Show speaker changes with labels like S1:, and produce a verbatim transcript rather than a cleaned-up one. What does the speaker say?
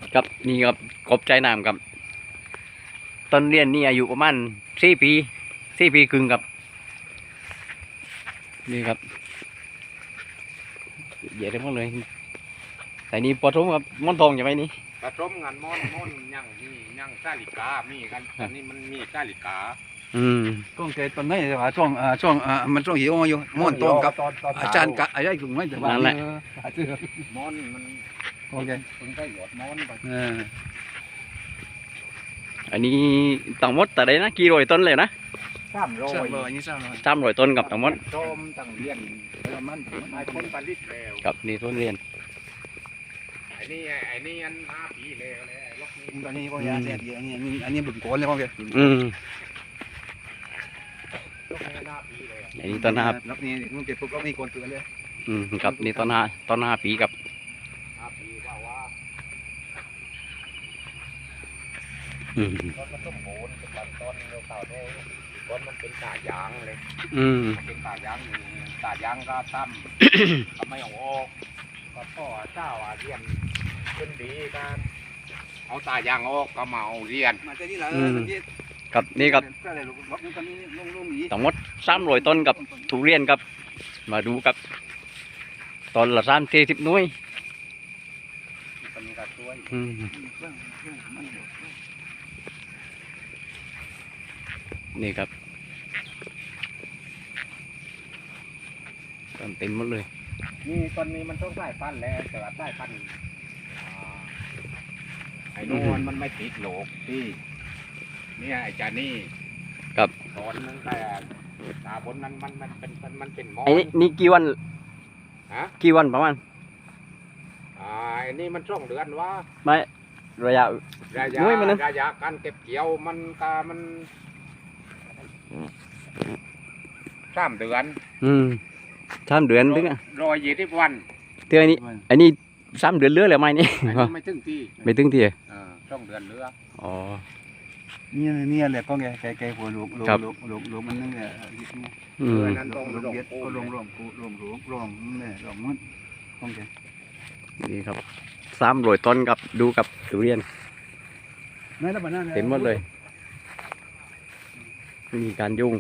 S1: ครับนี่ครับกบใจน้ำครับต้นเรียนนี่อายุประมาณสี่ปีสี่ปีครึ่งครับนี่ครับเยอะได้หมดเลยแต่นี่ปอทุ่มครับม่อนทองใช่ไหมนี่
S2: ผสมกันม่อนม่อนยังมียังซาลิกามีกันอันนี้มันมีซาลิกา
S1: อืม
S3: ช่วงเกตตอนนี้แต่ว่าช่วงอ่าช่วงอ่ามันช่วงหิวอยู่ม่อนตรงกับอาจารย์กะอะไรถึงไม่แต่ว่านั่นแหละ
S2: ม่อนมัน
S3: โอเค
S2: เพิ่งได้หยดม่อนไป
S3: เออ
S1: อันนี้ตั้งหมดแต่ได้นะกี่ร้อยต้นเลยนะ
S2: สามร้อย
S3: สามร้อยนี่สามร้อย
S1: สามร้อยต้นกับตั้งหมด
S2: โจมตั้งเรียนแล้วมันไอ้คนผลิตแล้ว
S1: กับนี่ต้นเรียน
S2: ไอ้นี่ไอ้นี่อันห้าปีแล้วเลยล็อกนี้
S3: ตอนนี้พวกยาเสพติดอันนี้อันนี้อันนี้บุญโกนเลยพวกแก
S1: อืม
S2: ล็อกนี้ห้าปีเลย
S1: อันนี้ต้นห้า
S3: ล็อกนี้มึงเก็บปุ๊บล็อกนี้โกนเตือนเลย
S1: อืมกับนี่ต้นห้าต้นห้าปีกับ
S2: ห้าปีว่าว่า
S1: อืม
S2: ต้นมันต้นโหนเป็นต้นเดียวเก่าโตต้นมันเป็นตายางเลย
S1: อืม
S2: เป็นตายางตายางก็ตั้มทำไมเอาออกก็พ่อเจ้าอาเรียนขึ้นดีกันเอาตายางออกก็มาเอาเรียน
S3: มาเจอนี่แหละ
S1: กับนี่กับทั้งหมดสามร้อยต้นกับทุเรียนกับมาดูกับต้นละสามสี่สิบหน่วยอืมนี่ครับต้นเต็มหมดเลย
S2: นี่ต้นนี้มันต้องใส่พันธุ์แล้วแต่ว่าใส่พันธุ์ไอ้นู่นมันไม่ติดโหลกที่เนี่ยไอ้จานี่
S1: กับ
S2: ตอนนั้นแต่ตาบนนั้นมันมันเป็นมันเป็นมอ
S1: ไอ้นี่กี่วัน
S2: ฮะ
S1: กี่วันประมาณ
S2: อ่าไอ้นี่มันช่วงเดือนวะ
S1: ไม่ระยะ
S2: ระยะระยะการเก็บเกี่ยวมันกามันสามเดือน
S1: อืมสามเดือนถึงอ่ะ
S2: รอยยี่สิบวัน
S1: เท่านี้อันนี้สามเดือนเรือแล้วไหมนี่
S2: ไม่ถึงที่
S1: ไม่ถึงที่
S2: อ่าช่องเดือนเรือ
S1: อ๋อ
S3: นี่นี่แหละก็แกแกแกหัวลูกลูกลูกลูกลูกมันนั่นแหละ
S1: อืม
S2: นั้นต้องลง
S3: เบียดก็ลงลงกูลงลงลงนี่ลงมันโอเค
S1: นี่ครับสามร้อยต้นกับดูกับทุเรียนเต็มหมดเลยมีการยุ่ง